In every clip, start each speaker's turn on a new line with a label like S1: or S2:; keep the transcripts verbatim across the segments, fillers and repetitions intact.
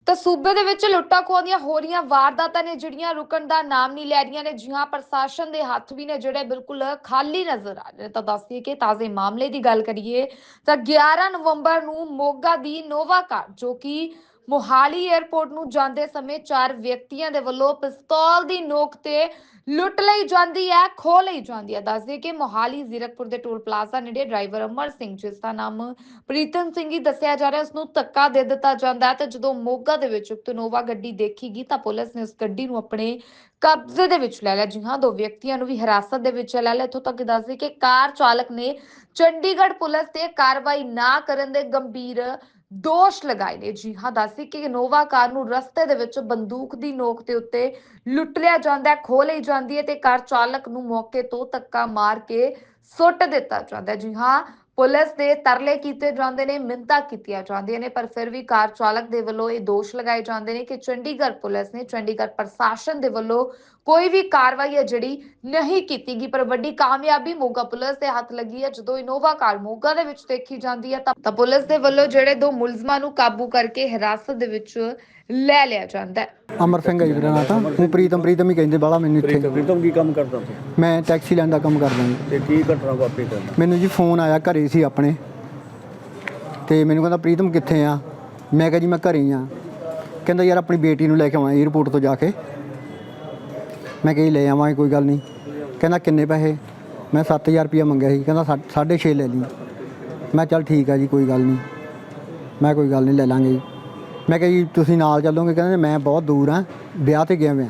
S1: ਤਾਂ ਸੂਬੇ ਦੇ ਵਿੱਚ ਲੁੱਟਾਂ ਖੋਹਾਂ ਦੀਆਂ ਹੋ ਰਹੀਆਂ ਵਾਰਦਾਤਾਂ ਨੇ ਜਿਹੜੀਆਂ ਰੁਕਣ ਦਾ ਨਾਮ ਨਹੀਂ ਲੈ ਰਹੀਆਂ ਨੇ। ਜੀ ਹਾਂ, ਪ੍ਰਸ਼ਾਸਨ ਦੇ ਹੱਥ ਵੀ ਨੇ ਜਿਹੜੇ ਬਿਲਕੁਲ ਖਾਲੀ ਨਜ਼ਰ ਆ ਰਹੇ ਨੇ। ਤਾਂ ਦੱਸਦੀਏ ਕਿ ਤਾਜ਼ੇ ਮਾਮਲੇ ਦੀ ਗੱਲ ਕਰੀਏ ਤਾਂ ਗਿਆਰਾਂ ਨਵੰਬਰ ਨੂੰ ਮੋਗਾ ਦੀ ਨੋਵਾ ਕਾਰ ਜੋ ਕਿ ਮੋਹਾਲੀ 에ਅਰਪੋਰਟ ਨੂੰ ਜਾਂਦੇ ਸਮੇਂ ਚਾਰ ਵਿਅਕਤੀਆਂ ਦੇ ਵੱਲੋਂ ਪਿਸਤੌਲ ਦੀ ਨੋਕ ਤੇ ਲੁੱਟ ਲਈ ਜਾਂਦੀ ਹੈ, ਖੋਹ ਲਈ ਜਾਂਦੀ ਹੈ। ਦੱਸਦੇ ਕਿ ਮੋਹਾਲੀ ਜ਼ੀਰਕਪੁਰ ਦੇ ਟੋਲ ਪਲਾਜ਼ਾ ਨੇੜੇ ਡਰਾਈਵਰ ਅਮਰ ਸਿੰਘ, ਜਿਸ ਦਾ ਨਾਮ ਪ੍ਰੀਤਮ ਸਿੰਘ ਹੀ ਦੱਸਿਆ ਜਾ ਰਿਹਾ, ਉਸ ਨੂੰ ਧੱਕਾ ਦੇ ਦਿੱਤਾ ਜਾਂਦਾ ਹੈ। ਤੇ ਜਦੋਂ ਮੋਗਾ ਦੇ ਵਿੱਚ ਉਕਤ ਨੋਵਾ ਗੱਡੀ ਦੇਖੀਗੀ ਤਾਂ ਪੁਲਿਸ ਨੇ ਉਸ ਗੱਡੀ ਨੂੰ ਆਪਣੇ ਕਬਜ਼ੇ ਦੇ ਵਿੱਚ ਲੈ ਲਿਆ। ਜੀ ਹਾਂ, ਦੋ ਵਿਅਕਤੀਆਂ ਨੂੰ ਵੀ ਹਿਰਾਸਤ ਦੇ ਵਿੱਚ ਲੈ ਲਿਆ। ਇੱਥੋਂ ਤੱਕ ਦੱਸਦੇ ਕਿ ਕਾਰ ਚਾਲਕ ਨੇ ਚੰਡੀਗੜ੍ਹ ਪੁਲਿਸ ਤੇ ਕਾਰਵਾਈ ਨਾ ਕਰਨ ਦੇ ਗੰਭੀਰ ਦੋਸ਼ ਲਗਾਏ ਨੇ। ਜੀ ਹਾਂ, ਦੱਸਦੇ ਕਿ ਨੋਵਾ ਕਾਰ ਨੂੰ ਰਸਤੇ ਦੇ ਵਿੱਚ ਬੰਦੂਕ ਦੀ ਨੋਕ ਦੇ ਉੱਤੇ ਲੁੱਟ ਲਿਆ ਜਾਂਦਾ ਹੈ, ਖੋਹ ਲਈ ਜਾਂਦੀ ਹੈ ਤੇ ਕਾਰ ਚਾਲਕ ਨੂੰ ਮੌਕੇ ਤੋਂ ਧੱਕਾ ਮਾਰ ਕੇ ਸੁੱਟ ਦਿੱਤਾ ਜਾਂਦਾ ਹੈ। ਜੀ ਹਾਂ, ਪੁਲਿਸ ਦੇ ਤਰਲੇ ਕੀਤੇ ਜਾਂਦੇ ਨੇ, ਮਿੰਨਤਾਂ ਕੀਤੀਆਂ ਜਾਂਦੀਆਂ ਨੇ, ਪਰ ਫਿਰ ਵੀ ਕਾਰ ਚਾਲਕ ਦੇ ਵੱਲੋਂ ਇਹ ਦੋਸ਼ ਲਗਾਏ ਜਾਂਦੇ ਨੇ ਕਿ ਚੰਡੀਗੜ੍ਹ ਪੁਲਿਸ ਨੇ, ਚੰਡੀਗੜ੍ਹ ਪ੍ਰਸ਼ਾਸਨ ਦੇ ਵੱਲੋਂ ਕੋਈ ਵੀ ਕਾਰਵਾਈ ਹੈ ਜਿਹੜੀ ਨਹੀਂ ਕੀਤੀ ਗਈ। ਪਰ ਵੱਡੀ ਕਾਮਯਾਬੀ ਮੋਗਾ ਪੁਲਿਸ ਦੇ ਹੱਥ ਲੱਗੀ ਹੈ। ਜਦੋਂ ਇਨੋਵਾ ਕਾਰ ਮੋਗਾ ਦੇ ਵਿੱਚ ਦੇਖੀ ਜਾਂਦੀ ਹੈ ਤਾਂ ਤਾਂ ਪੁਲਿਸ ਦੇ ਵੱਲੋਂ ਜਿਹੜੇ ਦੋ ਮੁਲਜ਼ਮਾਂ ਨੂੰ ਕਾਬੂ ਕਰਕੇ ਹਿਰਾਸਤ ਦੇ ਵਿੱਚ ਲੈ ਲਿਆ ਜਾਂਦਾ ਹੈ।
S2: ਅਮਰ ਸਿੰਘ ਹੈ ਜੀ ਮੇਰਾ ਨਾਂ। ਤਾਂ ਉਹ ਪ੍ਰੀਤਮ ਪ੍ਰੀਤਮ ਹੀ ਕਹਿੰਦੇ ਬਾਹਲਾ ਮੈਨੂੰ ਇੱਥੇ।
S3: ਪ੍ਰੀਤਮ ਪ੍ਰੀਤਮ ਕੀ ਕੰਮ ਕਰਦਾ ਤੂੰ?
S2: ਮੈਂ ਟੈਕਸੀ ਲੈਣ ਦਾ ਕੰਮ ਕਰਦਾ ਜੀ।
S3: ਤੇ ਕੀ ਘਟਨਾ ਵਾਪਰੀ ਤੈਨੂੰ?
S2: ਮੈਨੂੰ ਜੀ ਫੋਨ ਆਇਆ, ਘਰੇ ਸੀ ਆਪਣੇ, ਤੇ ਮੈਨੂੰ ਕਹਿੰਦਾ ਪ੍ਰੀਤਮ ਕਿੱਥੇ ਆ? ਮੈਂ ਕਿਹਾ ਜੀ ਮੈਂ ਘਰੇ ਹੀ ਆ। ਕਹਿੰਦਾ ਯਾਰ ਆਪਣੀ ਬੇਟੀ ਨੂੰ ਲੈ ਕੇ ਆਉਣਾ ਏਅਰਪੋਰਟ ਤੋਂ ਜਾ ਕੇ। ਮੈਂ ਕਿਹਾ ਜੀ ਲੈ ਆਵਾਂਗੇ, ਕੋਈ ਗੱਲ ਨਹੀਂ। ਕਹਿੰਦਾ ਕਿੰਨੇ ਪੈਸੇ? ਮੈਂ ਸੱਤ ਹਜ਼ਾਰ ਰੁਪਈਆ ਮੰਗਿਆ ਸੀ। ਕਹਿੰਦਾ ਸਾਢੇ ਛੇ ਲੈ ਲਈ। ਮੈਂ ਚੱਲ ਠੀਕ ਆ ਜੀ, ਕੋਈ ਗੱਲ ਨਹੀਂ। ਮੈਂ ਕੋਈ ਗੱਲ ਨਹੀਂ, ਲੈ ਲਾਂਗੇ ਜੀ। ਮੈਂ ਕਿਹਾ ਜੀ ਤੁਸੀਂ ਨਾਲ ਚੱਲੋਗੇ? ਕਹਿੰਦੇ ਮੈਂ ਬਹੁਤ ਦੂਰ ਆ, ਵਿਆਹ 'ਤੇ ਗਿਆ ਮੈਂ।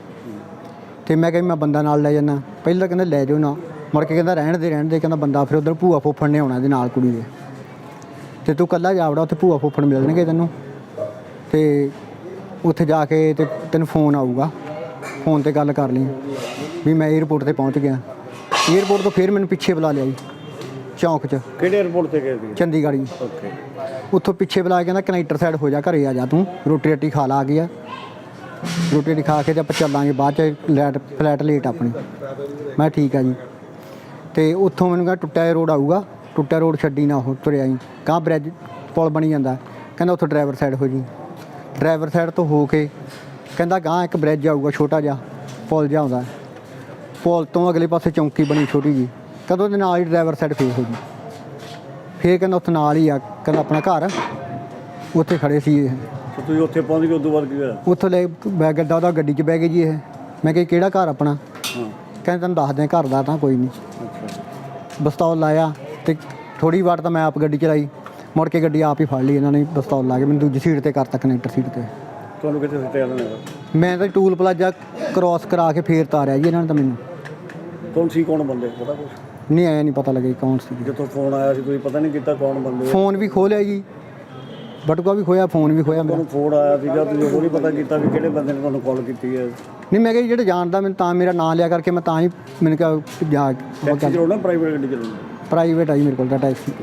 S2: ਅਤੇ ਮੈਂ ਕਿਹਾ ਮੈਂ ਬੰਦਾ ਨਾਲ ਲੈ ਜਾਂਦਾ। ਪਹਿਲਾਂ ਕਹਿੰਦੇ ਲੈ ਜਾਓ ਨਾ, ਮੁੜ ਕੇ ਕਹਿੰਦਾ ਰਹਿਣ ਦੇ ਰਹਿਣ ਦੇ ਕਹਿੰਦਾ ਬੰਦਾ ਫਿਰ ਉੱਧਰ ਭੂਆ ਫੁੱਫੜ ਨੇ ਆਉਣਾ ਇਹਦੇ ਨਾਲ ਕੁੜੀ ਦੇ, ਅਤੇ ਤੂੰ ਇਕੱਲਾ ਜਾ ਵੜਾ, ਉੱਥੇ ਭੂਆ ਫੁੱਫੜ ਮਿਲਣਗੇ ਤੈਨੂੰ, ਅਤੇ ਉੱਥੇ ਜਾ ਕੇ ਅਤੇ ਤੈਨੂੰ ਫੋਨ ਆਊਗਾ, ਫੋਨ 'ਤੇ ਗੱਲ ਕਰ ਲਈ ਵੀ ਮੈਂ ਏਅਰਪੋਰਟ 'ਤੇ ਪਹੁੰਚ ਗਿਆ। ਏਅਰਪੋਰਟ ਤੋਂ ਫਿਰ ਮੈਨੂੰ ਪਿੱਛੇ ਬੁਲਾ ਲਿਆ ਜੀ, ਚੌਂਕ 'ਚ।
S3: ਕਿਹੜੇ ਏਅਰਪੋਰਟ 'ਤੇ ਗਏ ਸੀ?
S2: ਚੰਡੀਗੜ੍ਹ ਜੀ।
S3: ਓਕੇ।
S2: ਉੱਥੋਂ ਪਿੱਛੇ ਬੁਲਾ ਕੇ ਕਹਿੰਦਾ ਕਨੈਕਟਰ ਸਾਈਡ ਹੋ ਜਾ, ਘਰੇ ਆ ਜਾ, ਤੂੰ ਰੋਟੀ ਰਾਟੀ ਖਾ ਲਾ, ਆ ਗਈ ਆ ਰੋਟੀ ਰਾਟੀ ਖਾ ਕੇ ਤੇ ਆਪਾਂ ਚੱਲਾਂਗੇ ਬਾਅਦ 'ਚ, ਲੈਟ ਫਲੈਟ ਲੇਟ ਆਪਣੀ। ਮੈਂ ਠੀਕ ਆ ਜੀ। ਅਤੇ ਉੱਥੋਂ ਮੈਨੂੰ ਕਹਿੰਦਾ ਟੁੱਟਿਆ ਰੋਡ ਆਊਗਾ, ਟੁੱਟਿਆ ਰੋਡ ਛੱਡੀ ਨਾ, ਉਹ ਤੁਰਿਆ ਜੀ ਗਾਂਹ ਬ੍ਰਿਜ ਪੁਲ ਬਣੀ ਜਾਂਦਾ। ਕਹਿੰਦਾ ਉੱਥੋਂ ਡਰਾਈਵਰ ਸਾਈਡ ਹੋ ਜੀ। ਡਰਾਈਵਰ ਸਾਈਡ ਤੋਂ ਹੋ ਕੇ ਕਹਿੰਦਾ ਗਾਂਹ ਇੱਕ ਬ੍ਰਿਜ ਆਊਗਾ ਛੋਟਾ ਜਿਹਾ, ਪੁਲ ਜਿਹਾ ਆਉਂਦਾ, ਪੁਲ ਤੋਂ ਅਗਲੇ ਪਾਸੇ ਚੌਂਕੀ ਬਣੀ ਛੋਟੀ ਜੀ। ਕਹਿੰਦਾ ਉਹਦੇ ਨਾਲ ਹੀ ਡਰਾਈਵਰ ਸਾਈਡ ਫੇਰ ਹੋ ਜੀ। ਫਿਰ ਕਹਿੰਦਾ ਉੱਥੇ ਨਾਲ ਹੀ ਆ, ਕਹਿੰਦਾ ਆਪਣਾ ਘਰ, ਉੱਥੇ ਖੜ੍ਹੇ ਸੀ ਇਹ।
S3: ਤੁਸੀਂ ਉੱਥੇ ਪਹੁੰਚ ਗਏ, ਉਦੋਂ ਬਾਅਦ ਕੀ ਹੋਇਆ?
S2: ਉੱਥੋਂ ਲੈ ਬੈ ਗੱਡਾ ਉਹਦਾ ਗੱਡੀ 'ਚ ਬਹਿ ਗਏ ਜੀ ਇਹ। ਮੈਂ ਕਿਹਾ ਕਿਹੜਾ ਘਰ ਆਪਣਾ?
S3: ਹਾਂ।
S2: ਕਹਿੰਦੇ ਤੈਨੂੰ ਦੱਸਦੇ ਘਰ ਦਾ ਤਾਂ ਕੋਈ ਨਹੀਂ।
S3: ਅੱਛਾ।
S2: ਪਿਸਤੌਲ ਲਾਇਆ ਅਤੇ ਥੋੜ੍ਹੀ ਵਾਰ ਤਾਂ ਮੈਂ ਆਪ ਗੱਡੀ ਚਲਾਈ, ਮੁੜ ਕੇ ਗੱਡੀ ਆਪ ਹੀ ਫੜ ਲਈ ਇਹਨਾਂ ਨੇ, ਪਿਸਤੌਲ ਲਾ ਕੇ ਮੈਨੂੰ ਦੂਜੀ ਸੀਟ 'ਤੇ ਕਰਤਾ, ਕਨੈਕਟਰ ਸੀਟ 'ਤੇ।
S3: ਤੁਹਾਨੂੰ ਕਿੱਥੇ ਸੁੱਟਿਆ ਇਹਨਾਂ ਨੇ?
S2: ਮੈਂ ਤਾਂ ਟੂਲ ਪਲਾਜ਼ਾ ਕ੍ਰੋਸ ਕਰਾ ਕੇ ਫੇਰ ਤਾਰਿਆ ਜੀ ਇਹਨਾਂ ਨੇ ਤਾਂ ਮੈਨੂੰ।
S3: ਕੌਣ ਸੀ, ਕੌਣ ਬੰਦੇ, ਪਤਾ ਕੁਛ?
S2: ਨਹੀਂ ਆਇਆ, ਨਹੀਂ ਪਤਾ ਲੱਗਿਆ ਕੌਣ ਸੀ।
S3: ਜਦੋਂ ਫੋਨ ਆਇਆ ਸੀ ਤੁਸੀਂ ਪਤਾ ਨਹੀਂ ਕੀਤਾ ਕੌਣ ਬੰਦੇ?
S2: ਫੋਨ ਵੀ ਖੋਹ ਲਿਆ ਜੀ, ਬਟੂਆ ਵੀ ਖੋਇਆ, ਫੋਨ ਵੀ ਖੋਇਆ ਮੇਰਾ।
S3: ਤੁਹਾਨੂੰ ਫੋਨ ਆਇਆ ਸੀਗਾ, ਤੁਸੀਂ ਉਹ ਨਹੀਂ ਪਤਾ ਕੀਤਾ ਵੀ ਕਿਹੜੇ ਬੰਦੇ ਨੇ ਤੁਹਾਨੂੰ ਕਾਲ ਕੀਤੀ ਹੈ?
S2: ਨਹੀਂ, ਮੈਂ ਕਿਹਾ ਜਿਹੜੇ ਜਾਣਦਾ ਮੈਨੂੰ, ਤਾਂ ਮੇਰਾ ਨਾਂ ਲਿਆ ਕਰਕੇ ਮੈਂ ਤਾਂ ਹੀ ਮੈਨੂੰ ਕਿਹਾ ਜਾ।
S3: ਟੈਕਸੀ ਚਲਾਉਣਾ, ਪ੍ਰਾਈਵੇਟ ਗੱਡੀ ਚਲਾਉਣੀ?
S2: ਪ੍ਰਾਈਵੇਟ ਆ ਜੀ ਮੇਰੇ ਕੋਲ ਤਾਂ ਟੈਕਸੀ।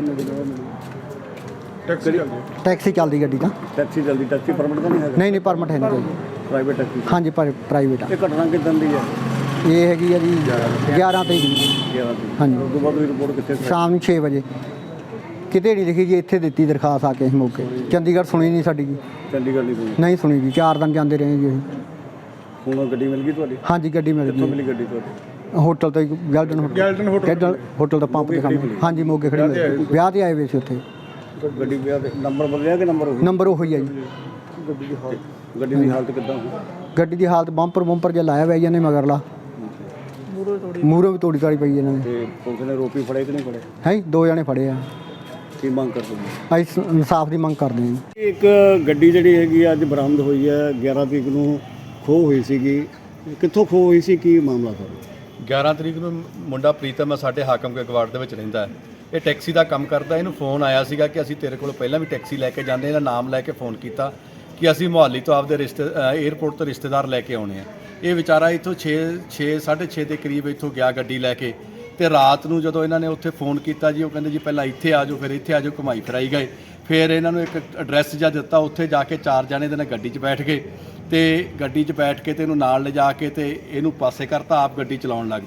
S3: ਟੈਕਸੀ
S2: ਟੈਕਸੀ ਚੱਲਦੀ ਗੱਡੀ ਤਾਂ।
S3: ਟੈਕਸੀ ਚੱਲਦੀ, ਟੈਕਸੀ ਪਰਮਿਟ ਤਾਂ ਨਹੀਂ ਹੈਗਾ?
S2: ਨਹੀਂ ਨਹੀਂ, ਪਰਮਿਟ ਹੈ ਨਹੀਂ।
S3: Private taxi?
S2: ਹਾਂਜੀ, ਪਰ ਪ੍ਰਾਈਵੇਟ ਆ।
S3: ਇਹ ਘਟਨਾ ਕਿੱਦਾਂ ਦੀ ਹੈ?
S2: ਇਹ ਹੈਗੀ ਆ ਜੀ ਗਿਆਰਾਂ ਤਰੀਕ ਦੀ।
S3: ਗਿਆਰਾਂ ਦੀ?
S2: ਹਾਂਜੀ।
S3: ਉਸ ਤੋਂ ਬਾਅਦ ਤੁਸੀਂ ਰਿਪੋਰਟ ਕਿੱਥੇ?
S2: ਸ਼ਾਮ ਨੂੰ ਛੇ ਵਜੇ। ਕਿਤੇ ਨਹੀਂ ਲਿਖੀ ਜੀ, ਇੱਥੇ ਦਿੱਤੀ ਦਰਖਾਸਤ ਆ ਕੇ ਅਸੀਂ ਮੌਕੇ। ਚੰਡੀਗੜ੍ਹ ਸੁਣੀ ਨਹੀਂ ਸਾਡੀ ਜੀ।
S3: ਚੰਡੀਗੜ੍ਹ ਨਹੀਂ ਸੁਣੀ?
S2: ਨਹੀਂ ਸੁਣੀ ਜੀ, ਚਾਰ ਦਿਨ ਜਾਂਦੇ ਰਹੇ ਜੀ ਅਸੀਂ।
S3: ਹੁਣ ਗੱਡੀ ਮਿਲ ਗਈ ਤੁਹਾਡੀ?
S2: ਹਾਂਜੀ, ਗੱਡੀ ਮਿਲ
S3: ਕਿੱਥੋਂ
S2: ਗਈ।
S3: ਮਿਲੀ ਗੱਡੀ ਤੁਹਾਡੀ?
S2: ਹੋਟਲ ਤੋਂ, Golden Hotel.
S3: Golden Hotel.
S2: Golden Hotel ਦਾ ਪੰਪ ਤੇ ਸਾਹਮਣੇ। ਹਾਂਜੀ, ਮੋਗੇ ਖੜੀ ਮਿਲੀ। ਵਿਆਹ 'ਤੇ ਆਏ ਹੋਏ ਸੀ ਉੱਥੇ।
S3: ਗੱਡੀ ਵਿਆਹ ਦੇ ਨੰਬਰ ਬਦਲਿਆ ਕਿ ਨੰਬਰ ਉਹੀ?
S2: ਨੰਬਰ ਉਹੀ ਆ ਜੀ।
S3: ਗੱਡੀ ਦੀ ਹਾਲਤ ਗੱਡੀ ਦੀ ਹਾਲਤ ਕਿੱਦਾਂ?
S2: ਗੱਡੀ ਦੀ ਹਾਲਤ ਬੰਪਰ ਬੰਪਰ ਜਿਹਾ ਲਾਇਆ ਹੋਇਆ ਜੀ ਇਹਨੇ ਮਗਰਲਾ, ਮੂਹਰੋਂ ਵੀ ਤੋੜੀ ਤਾੜੀ ਪਈ ਇਹਨਾਂ ਨੇ।
S3: ਤੇ ਪੁਲਿਸ ਨੇ ਰੋਪੀ ਫੜੇ ਕਿ ਨਹੀਂ ਫੜੇ?
S2: ਹੈ ਜੀ, ਦੋ ਜਣੇ ਫੜੇ ਆ।
S3: ਕੀ ਮੰਗ ਕਰਦੇ ਹੋ?
S2: ਅਸੀਂ ਇਨਸਾਫ ਦੀ ਮੰਗ ਕਰਦੇ ਹਾਂ ਜੀ।
S3: ਇੱਕ ਗੱਡੀ ਜਿਹੜੀ ਹੈਗੀ ਅੱਜ ਬਰਾਮਦ ਹੋਈ ਹੈ, ਗਿਆਰਾਂ ਤਰੀਕ ਨੂੰ ਖੋਹ ਹੋਈ ਸੀਗੀ, ਕਿੱਥੋਂ ਖੋਹ ਹੋਈ ਸੀ, ਕੀ ਮਾਮਲਾ ਸਰ?
S4: ਗਿਆਰਾਂ ਤਰੀਕ ਨੂੰ ਮੁੰਡਾ ਪ੍ਰੀਤਮ ਸਾਡੇ ਹਾਕਮ ਕੇ ਗਵਾੜ ਦੇ ਵਿੱਚ ਰਹਿੰਦਾ ਹੈ। ਇਹ ਟੈਕਸੀ ਦਾ ਕੰਮ ਕਰਦਾ। ਇਹਨੂੰ ਫੋਨ ਆਇਆ ਸੀਗਾ ਕਿ ਅਸੀਂ ਤੇਰੇ ਕੋਲ ਪਹਿਲਾਂ ਵੀ ਟੈਕਸੀ ਲੈ ਕੇ ਜਾਂਦੇ। ਇਹਦਾ ਨਾਮ ਲੈ ਕੇ ਫੋਨ ਕੀਤਾ ਕਿ ਅਸੀਂ ਮੁਹਾਲੀ ਤੋਂ ਆਪਦੇ ਰਿਸ਼ਤੇ ਏਅਰਪੋਰਟ ਤੋਂ ਰਿਸ਼ਤੇਦਾਰ ਲੈ ਕੇ ਆਉਣੇ ਆ। ਇਹ ਵਿਚਾਰਾ ਇੱਥੋਂ ਛੇ ਛੇ ਸਾਢੇ ਛੇ ਦੇ ਕਰੀਬ ਇੱਥੋਂ ਗਿਆ ਗੱਡੀ ਲੈ ਕੇ, ਅਤੇ ਰਾਤ ਨੂੰ ਜਦੋਂ ਇਹਨਾਂ ਨੇ ਉੱਥੇ ਫੋਨ ਕੀਤਾ ਜੀ, ਉਹ ਕਹਿੰਦੇ ਜੀ ਪਹਿਲਾਂ ਇੱਥੇ ਆ ਜਾਓ, ਫਿਰ ਇੱਥੇ ਆ ਜਾਓ, ਘੁਮਾਈ ਫਿਰਾਈ ਗਏ। ਫਿਰ ਇਹਨਾਂ ਨੂੰ ਇੱਕ ਐਡਰੈਸ ਜਿਹਾ ਦਿੱਤਾ, ਉੱਥੇ ਜਾ ਕੇ ਚਾਰ ਜਣੇ ਦੇ ਨਾਲ ਗੱਡੀ 'ਚ ਬੈਠ ਗਏ, ਅਤੇ ਗੱਡੀ 'ਚ ਬੈਠ ਕੇ ਤੇ ਇਹਨੂੰ ਨਾਲ ਲਿਜਾ ਕੇ ਤੇ ਇਹਨੂੰ ਪਾਸੇ ਕਰਤਾ, ਆਪ ਗੱਡੀ ਚਲਾਉਣ ਲੱਗ ਪਏ।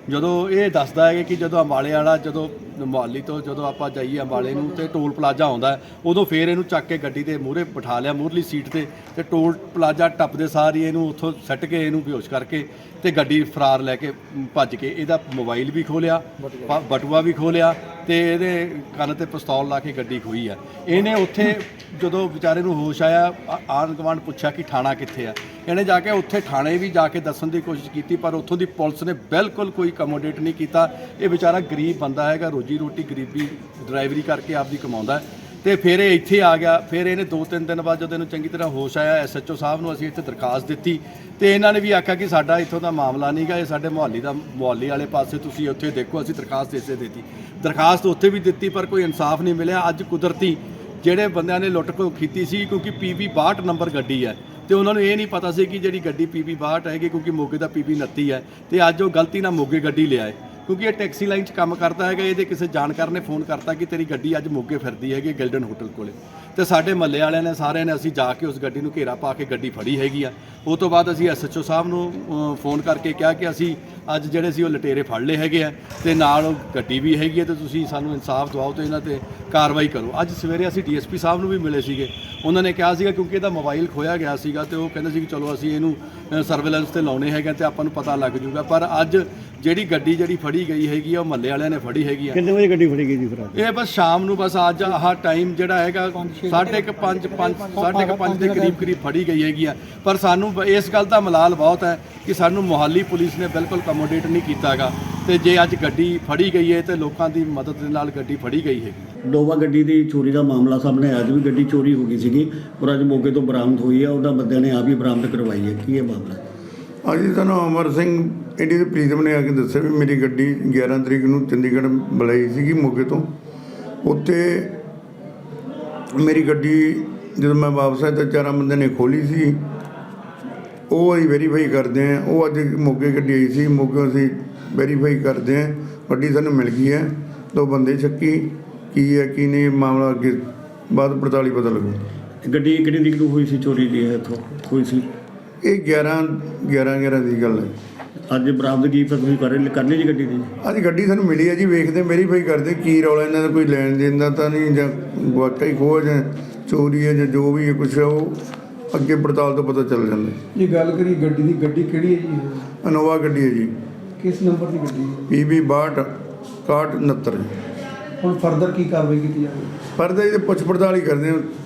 S4: ਜਦੋਂ ਇਹ ਦੱਸਦਾ ਹੈ ਕਿ ਜਦੋਂ ਅੰਬਾਲੇ ਵਾਲਾ ਜਦੋਂ ਮੁਹਾਲੀ ਤੋਂ ਜਦੋਂ ਆਪਾਂ ਜਾਈਏ ਅੰਬਾਲੇ ਨੂੰ ਤੇ ਟੋਲ ਪਲਾਜ਼ਾ ਆਉਂਦਾ ਹੈ, ਉਦੋਂ ਫਿਰ ਇਹਨੂੰ ਚੱਕ ਕੇ ਗੱਡੀ ਦੇ ਮੂਹਰੇ ਬਿਠਾ ਲਿਆ ਮੂਹਰਲੀ ਸੀਟ ਤੇ ਤੇ ਟੋਲ ਪਲਾਜ਼ਾ ਟੱਪਦੇ ਸਾਰ ਹੀ ਇਹਨੂੰ ਉੱਥੋਂ ਸੱਟ ਕੇ ਇਹਨੂੰ ਬੇਹੋਸ਼ ਕਰਕੇ ਤੇ ਗੱਡੀ ਫਰਾਰ ਲੈ ਕੇ ਭੱਜ ਕੇ ਇਹਦਾ ਮੋਬਾਈਲ ਵੀ ਖੋਲਿਆ, ਬਟੂਆ ਵੀ ਖੋਲਿਆ ਤੇ ਇਹਦੇ ਕੰਨ ਤੇ ਪਿਸਤੌਲ ਲਾ ਕੇ ਗੱਡੀ ਖੋਈ ਆ। ਇਹਨੇ ਉੱਥੇ ਜਦੋਂ ਵਿਚਾਰੇ ਨੂੰ ਹੋਸ਼ ਆਇਆ, ਆਂਢ ਗੁਆਂਢ ਪੁੱਛਿਆ ਕਿ ਥਾਣਾ ਕਿੱਥੇ ਆ, ਇਹਨੇ ਜਾ ਕੇ ਉੱਥੇ ਥਾਣੇ ਵੀ ਜਾ ਕੇ ਦੱਸਣ ਦੀ ਕੋਸ਼ਿਸ਼ ਕੀਤੀ, ਪਰ ਉੱਥੋਂ ਦੀ ਪੁਲਿਸ ਨੇ ਬਿਲਕੁਲ ਕੋਈ ਕਮੋਡੇਟ ਨਹੀਂ ਕੀਤਾ। ਇਹ ਵਿਚਾਰਾ ਗਰੀਬ ਬੰਦਾ ਹੈਗਾ, ਰੋਜੀ ਰੋਟੀ ਗਰੀਬੀ ਡਰਾਈਵਰੀ ਕਰਕੇ ਆਪਦੀ ਕਮਾਉਂਦਾ ਤੇ ਫਿਰ ਇਹ ਇੱਥੇ ਆ ਗਿਆ। ਫਿਰ ਇਹਨੇ ਦੋ ਤਿੰਨ ਦਿਨ ਬਾਅਦ ਜਦੋਂ ਇਹਨੂੰ ਚੰਗੀ ਤਰ੍ਹਾਂ ਹੋਸ਼ ਆਇਆ, ਐਸ ਐਚ ਓ ਸਾਹਿਬ ਨੂੰ ਅਸੀਂ ਇੱਥੇ ਦਰਖਾਸਤ ਦਿੱਤੀ ਤੇ ਇਹਨਾਂ ਨੇ ਵੀ ਆਖਿਆ ਕਿ ਸਾਡਾ ਇੱਥੋਂ ਦਾ ਮਾਮਲਾ ਨਹੀਂ ਗਾ, ਇਹ ਸਾਡੇ ਮੁਹਾਲੀ ਦਾ ਮੁਹਾਲੀ ਵਾਲੇ ਪਾਸੇ ਤੁਸੀਂ ਉੱਥੇ ਦੇਖੋ। ਅਸੀਂ ਦਰਖਾਸਤ ਇਸੇ ਦਿੱਤੀ, ਦਰਖਾਸਤ ਉੱਥੇ ਵੀ ਦਿੱਤੀ, ਪਰ ਕੋਈ ਇਨਸਾਫ ਨਹੀਂ ਮਿਲਿਆ। ਅੱਜ ਕੁਦਰਤੀ ਜਿਹੜੇ ਬੰਦਿਆਂ ਨੇ ਲੁੱਟ ਖੋਹ ਕੀਤੀ ਸੀ, ਕਿਉਂਕਿ ਪੀ ਬੀ ਬਾਹਠ ਨੰਬਰ ਗੱਡੀ ਹੈ ਤੇ ਉਹਨਾਂ ਨੂੰ ਇਹ ਨਹੀਂ ਪਤਾ ਸੀ ਕਿ ਜਿਹੜੀ ਗੱਡੀ ਪੀ ਬੀ ਬਾਹਠ ਹੈਗੀ, ਕਿਉਂਕਿ ਮੋਗੇ ਦਾ ਪੀ ਬੀ ਉਨੱਤੀ ਹੈ ਤੇ ਅੱਜ ਉਹ ਗਲਤੀ ਨਾਲ ਮੋਗੇ ਗੱਡੀ ਲਿਆਏ, ਕਿਉਂਕਿ ਇਹ ਟੈਕਸੀ ਲਾਈਨ 'ਚ ਕੰਮ ਕਰਦਾ ਹੈਗਾ। ਇਹਦੇ ਕਿਸੇ ਜਾਣਕਾਰ ਨੇ ਫੋਨ ਕਰਤਾ ਕਿ ਤੇਰੀ ਗੱਡੀ ਅੱਜ ਮੋਗੇ ਫਿਰਦੀ ਹੈਗੀ ਗਿਲਡਨ ਹੋਟਲ ਕੋਲੇ, ਤੇ ਸਾਡੇ ਮਹੱਲੇ ਵਾਲਿਆਂ ਨੇ ਸਾਰਿਆਂ ਨੇ ਅਸੀਂ ਜਾ ਕੇ ਉਸ ਗੱਡੀ ਨੂੰ ਘੇਰਾ ਪਾ ਕੇ ਗੱਡੀ ਫੜੀ ਹੈਗੀ ਆ। ਉਹ ਤੋਂ ਬਾਅਦ ਅਸੀਂ ਐਸ ਐਚ ਓ ਸਾਹਿਬ ਨੂੰ ਅ, ਫੋਨ ਕਰਕੇ ਕਿਹਾ ਕਿ ਅਸੀਂ ਅੱਜ ਜਿਹੜੇ ਸੀ ਉਹ ਲਟੇਰੇ ਫੜ ਲਏ ਹੈਗੇ ਆ ਤੇ ਨਾਲ ਉਹ ਗੱਡੀ ਵੀ ਹੈਗੀ ਹੈ ਤੇ ਤੁਸੀਂ ਸਾਨੂੰ ਇਨਸਾਫ ਦਿਵਾਓ ਤੇ ਇਹਨਾਂ ਤੇ ਕਾਰਵਾਈ ਕਰੋ। ਅੱਜ ਸਵੇਰੇ ਅਸੀਂ ਡੀ ਐਸ ਪੀ ਸਾਹਿਬ ਨੂੰ ਵੀ ਮਿਲੇ ਸੀਗੇ, ਉਹਨਾਂ ਨੇ ਕਿਹਾ ਸੀਗਾ ਕਿਉਂਕਿ ਇਹਦਾ ਮੋਬਾਈਲ ਖੋਇਆ ਗਿਆ ਸੀਗਾ ਤੇ ਉਹ ਕਹਿੰਦੇ ਸੀ ਕਿ ਚਲੋ ਅਸੀਂ ਇਹਨੂੰ ਸਰਵੇਲੈਂਸ ਤੇ ਲਾਉਣੇ ਹੈਗੇ ਤੇ ਆਪਾਂ ਨੂੰ ਪਤਾ ਲੱਗ ਜੂਗਾ। ਪਰ ਅੱਜ ਜਿਹੜੀ ਗੱਡੀ ਜਿਹੜੀ ਫੜੀ ਗਈ ਹੈਗੀ ਆ ਉਹ ਮਹੱਲੇ ਵਾਲਿਆਂ ਨੇ ਫੜੀ ਹੈਗੀ ਆ।
S3: ਕਿੰਨੇ ਵਜੇ ਗੱਡੀ ਫੜੀ ਗਈ ਜੀ ਫਿਰ ਅੱਜ?
S4: ਇਹ ਬਸ ਸ਼ਾਮ ਨੂੰ ਬਸ ਅੱਜ ਆਹ ਟਾਈਮ ਜਿਹੜਾ ਹੈਗਾ ਸਾਢੇ ਕੁ ਪੰਜ ਪੰਜ ਸਾਢੇ ਕੁ ਪੰਜ ਦੇ ਕਰੀਬ ਕਰੀਬ ਫੜੀ ਗਈ ਹੈਗੀ ਆ। ਪਰ ਸਾਨੂੰ ਬ- ਇਸ ਗੱਲ ਦਾ ਮਲਾਲ ਬਹੁਤ ਹੈ ਕਿ ਸਾਨੂੰ ਮੁਹਾਲੀ ਪੁਲਿਸ ਨੇ ਬਿਲਕੁਲ ਕਮੋਡੇਟ ਨਹੀਂ ਕੀਤਾਗਾ ਤੇ ਜੇ ਅੱਜ ਗੱਡੀ ਫੜੀ ਗਈ ਹੈ ਤੇ ਲੋਕਾਂ ਦੀ ਮਦਦ ਦੇ ਨਾਲ ਗੱਡੀ ਫੜੀ ਗਈ ਹੈਗੀ।
S3: ਨੋਵਾ ਗੱਡੀ ਦੀ ਚੋਰੀ ਦਾ ਮਾਮਲਾ ਸਾਹਮਣੇ ਆਇਆ, ਅੱਜ ਵੀ ਗੱਡੀ ਚੋਰੀ ਹੋ ਗਈ ਸੀਗੀ ਔਰ ਅੱਜ ਮੋਗੇ ਤੋਂ ਬਰਾਮਦ ਹੋਈ ਹੈ, ਉਹਨਾਂ ਬੰਦਿਆਂ ਨੇ ਆਪ ਹੀ ਬਰਾਮਦ ਕਰਵਾਈ ਹੈ। ਕੀ ਇਹ ਮਾਮਲਾ?
S5: ਅੱਜ ਸਾਨੂੰ ਅਮਰ ਸਿੰਘ ਇੰਡੀ ਦੇ ਪ੍ਰੀਤਮ ਨੇ ਆ ਕੇ ਦੱਸਿਆ ਵੀ ਮੇਰੀ ਗੱਡੀ ਗਿਆਰਾਂ ਤਰੀਕ ਨੂੰ ਚੰਡੀਗੜ੍ਹ ਬੁਲਾਈ ਸੀਗੀ ਮੋਗੇ ਤੋਂ। ਉੱਥੇ ਮੇਰੀ ਗੱਡੀ ਜਦੋਂ ਮੈਂ ਵਾਪਸ ਆਇਆ ਤਾਂ ਚਾਰਾਂ ਬੰਦਿਆਂ ਨੇ ਖੋਲੀ ਸੀ, ਉਹ ਅਸੀਂ ਵੈਰੀਫਾਈ ਕਰਦੇ ਹਾਂ। ਉਹ ਅੱਜ ਮੋਗੇ ਗੱਡੀ ਆਈ ਸੀ, ਮੋਗੇ ਅਸੀਂ ਵੈਰੀਫਾਈ ਕਰਦੇ ਹਾਂ, ਗੱਡੀ ਸਾਨੂੰ ਮਿਲ ਗਈ ਹੈ। ਦੋ ਬੰਦੇ ਸ਼ੱਕੀ ਕੀ ਹੈ ਕੀ ਨਹੀਂ ਮਾਮਲਾ ਅੱਗੇ ਬਾਅਦ ਪੜਤਾਲ ਹੀ ਪਤਾ ਲੱਗੂ।
S3: ਗੱਡੀ ਕਿਹੜੀ ਤਰੀਕ ਨੂੰ ਹੋਈ ਸੀ ਚੋਰੀ ਦੀ? ਹੈ ਇੱਥੋਂ ਹੋਈ ਸੀ
S5: ਇਹ ਗਿਆਰਾਂ ਗਿਆਰਾਂ ਗਿਆਰਾਂ ਦੀ ਗੱਲ ਹੈ।
S3: ਅੱਜ ਬਰਾਮਦਗੀ ਫਿਰ ਤੁਸੀਂ ਕਰ ਕਰਨੀ ਜੀ ਗੱਡੀ ਦੀ?
S5: ਅੱਜ ਗੱਡੀ ਸਾਨੂੰ ਮਿਲੀ ਹੈ ਜੀ, ਵੇਖਦੇ ਵੈਰੀਫਾਈ ਕਰਦੇ ਕੀ ਰੌਲਾ ਇਹਨਾਂ ਦਾ, ਕੋਈ ਲੈਣ ਦੇਣ ਦਾ ਤਾਂ ਨਹੀਂ ਜਾਂ ਵਾਕਈ ਖੋਹ ਜਾਂ ਚੋਰੀ ਹੈ ਜਾਂ ਜੋ ਵੀ ਹੈ ਕੁਛ ਹੈ, ਉਹ ਅੱਗੇ ਪੜਤਾਲ ਤੋਂ ਪਤਾ ਚੱਲ ਜਾਂਦਾ।
S6: ਜੇ ਗੱਲ ਕਰੀ ਗੱਡੀ ਦੀ, ਗੱਡੀ ਕਿਹੜੀ ਹੈ ਜੀ ਇਹ?
S5: ਇਨੋਵਾ ਗੱਡੀ ਹੈ ਜੀ,
S6: ਕਿਸ ਨੰਬਰ ਦੀ ਗੱਡੀ ਹੈ?
S5: ਪੀ ਬੀ ਬਾਹਠ ਇਕਾਹਠ ਉਣਹੱਤਰ।
S6: ਹੁਣ ਫਰਦਰ ਕੀ ਕਾਰਵਾਈ ਕੀਤੀ ਜਾਵੇ?
S5: ਪਰ ਇਹਦੇ ਪੁੱਛ ਪੜਤਾਲ ਹੀ ਕਰਦੇ ਹਾਂ।